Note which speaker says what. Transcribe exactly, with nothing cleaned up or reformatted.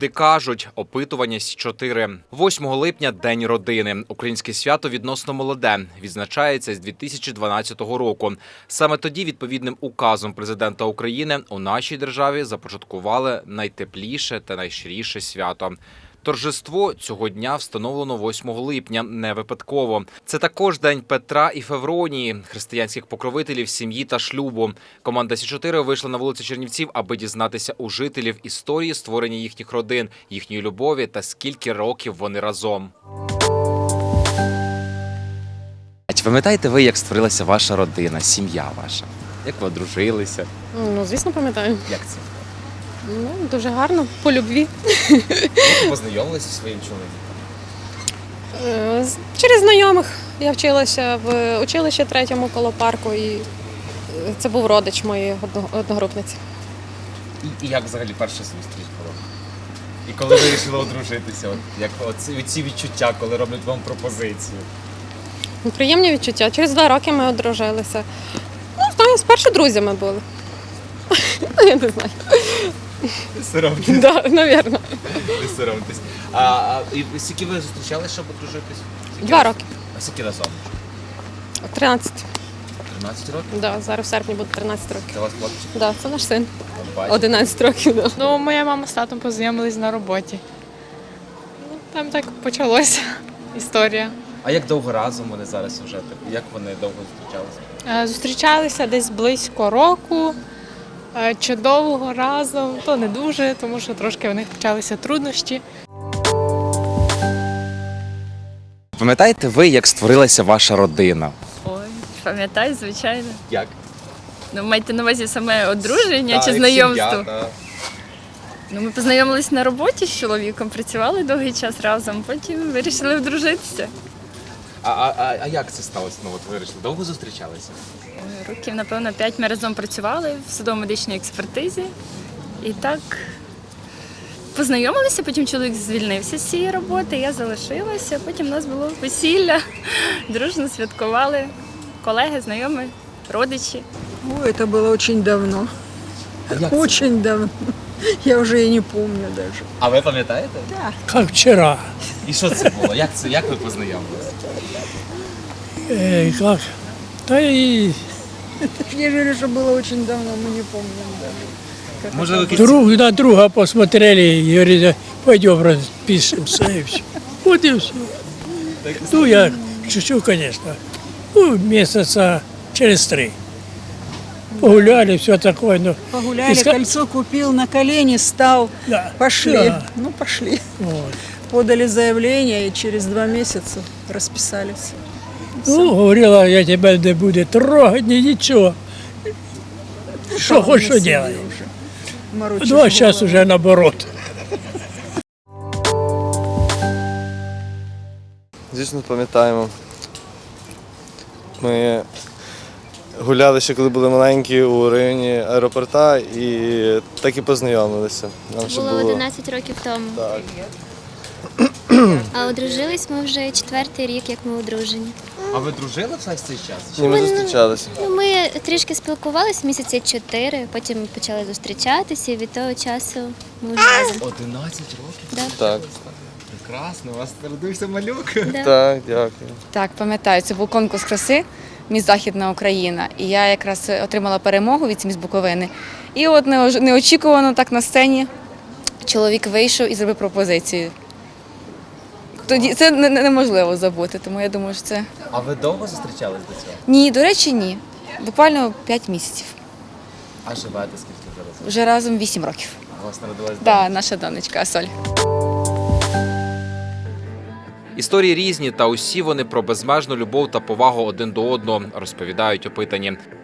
Speaker 1: Люди кажуть, опитування Сі чотири. восьмого липня – День родини. Українське свято відносно молоде. Відзначається з дві тисячі дванадцятого року. Саме тоді відповідним указом президента України у нашій державі започаткували найтепліше та найщиріше свято. Торжество цього дня встановлено восьмого липня не випадково. Це також День Петра і Февронії, християнських покровителів сім'ї та шлюбу. Команда Сі чотири вийшла на вулиці Чернівців, аби дізнатися у жителів історії створення їхніх родин, їхньої любові та скільки років вони разом. А чи пам'ятаєте ви, як створилася ваша родина, сім'я ваша? Як ви одружилися?
Speaker 2: Ну, звісно, пам'ятаю.
Speaker 1: Як це?
Speaker 2: Ну, дуже гарно, по любві.
Speaker 1: Як ви познайомилися зі своїм чоловіком?
Speaker 2: Е, з- Через знайомих. Я вчилася в училищі третьому коло парку, і е, це був родич моєї одно- одногрупниці.
Speaker 1: І, і як взагалі перша зустріч була? І коли ви вирішили одружитися? От, як оці, ці відчуття, коли роблять вам пропозицію?
Speaker 2: Ну, приємні відчуття. Через два роки ми одружилися. Ну, знаю, спершу друзями були. Ну, я не знаю.
Speaker 1: Не соромтесь.
Speaker 2: Так, навірно.
Speaker 1: Не соромтесь. А, а і скільки ви зустрічалися, щоб одружитись? Скільки
Speaker 2: Два
Speaker 1: раз-
Speaker 2: роки.
Speaker 1: А скільки разом?
Speaker 2: тринадцять.
Speaker 1: тринадцять років?
Speaker 2: Да, зараз в серпні буде тринадцять років.
Speaker 1: Це у вас хлопчик?
Speaker 2: Да, це наш син.
Speaker 1: От бачите.
Speaker 2: одинадцять років. Да.
Speaker 3: Ну, моя мама з татом познайомились на роботі. Ну, там так почалася історія.
Speaker 1: А як довго разом вони зараз вже? Як вони довго зустрічалися?
Speaker 3: Е, Зустрічалися десь близько року. Е, Чи довго разом, то не дуже, тому що трошки у них почалися труднощі.
Speaker 1: Пам'ятаєте ви, як створилася ваша родина?
Speaker 4: Ой, пам'ятаю, звичайно.
Speaker 1: Як?
Speaker 4: Ну, маєте на увазі саме одруження чи знайомство? Ну, ми познайомились на роботі з чоловіком, працювали довгий час разом, потім вирішили одружитися.
Speaker 1: А, а, а, а як це сталося? Ну, от ви вирішили, довго зустрічалися?
Speaker 4: Ой, Років, напевно, п'ять ми разом працювали в судово-медичній експертизі. І так познайомилися, потім чоловік звільнився з цієї роботи, я залишилася, потім у нас було весілля, дружно святкували, колеги, знайомі, родичі.
Speaker 5: Ой, это было очень давно.
Speaker 1: А як це?
Speaker 5: Очень давно. Я уже и не помню даже.
Speaker 1: А ви пам'ятаєте?
Speaker 6: Как вчера.
Speaker 1: І що це було? Як це? Як ви познайомилися?
Speaker 6: Э, как? Да и
Speaker 5: Я же говорю, что было очень давно, мы не помним даже.
Speaker 1: Може, ви
Speaker 6: друг на друга посмотрели и говорит, пойдем распишемся и все. Вот и все. Ну, я шучу, конечно. Ну, месяца через три. Погуляли, все такое. Ну,
Speaker 5: Погуляли,
Speaker 6: Иска-
Speaker 5: кольцо купил, на колени стал.
Speaker 6: да,
Speaker 5: Пошли.
Speaker 6: да,
Speaker 5: Ну, пошли.
Speaker 6: вот.
Speaker 5: Подали заявление и через два месяца расписались.
Speaker 6: Ну, говорила, я тебя не буду трогать, ни ничего. Что
Speaker 5: Там
Speaker 6: хочешь,
Speaker 5: на
Speaker 6: что
Speaker 5: себе
Speaker 6: делай.
Speaker 5: уже. Морочишь
Speaker 6: Ну, а сейчас
Speaker 5: голову.
Speaker 6: уже наоборот.
Speaker 7: Звісно, пам'ятаємо. Ми гуляли ще, коли були маленькі, у районі аеропорта і так і познайомилися. Нам ще
Speaker 8: Було одинадцять років тому.
Speaker 7: Так.
Speaker 8: А одружились ми вже четвертий рік, як ми одружені.
Speaker 1: А ви дружили весь цей час?
Speaker 7: Ні, ми зустрічалися.
Speaker 8: Ну, ми трішки спілкувалися місяці чотири, потім ми почали зустрічатися, і від того часу ми вже разом.
Speaker 1: одинадцять років?
Speaker 8: Да.
Speaker 7: Так.
Speaker 1: Прекрасно, у вас народився малюк.
Speaker 8: Да.
Speaker 7: Так, дякую.
Speaker 9: Так, пам'ятаю, це був конкурс краси «Міс Західна Україна». І я якраз отримала перемогу від «Міс Буковини». І от неож- неочікувано так на сцені чоловік вийшов і зробив пропозицію. Тоді це не- не- неможливо забути, тому я думаю, що це…
Speaker 1: А ви довго зустрічались до цього?
Speaker 9: Ні, до речі, ні. Буквально п'ять місяців.
Speaker 1: А живете скільки вже разом?
Speaker 9: Вже разом вісім років.
Speaker 1: У вас народилась
Speaker 9: Так, да, наша донечка Асоль.
Speaker 1: Історії різні, та усі вони про безмежну любов та повагу один до одного, розповідають опитані.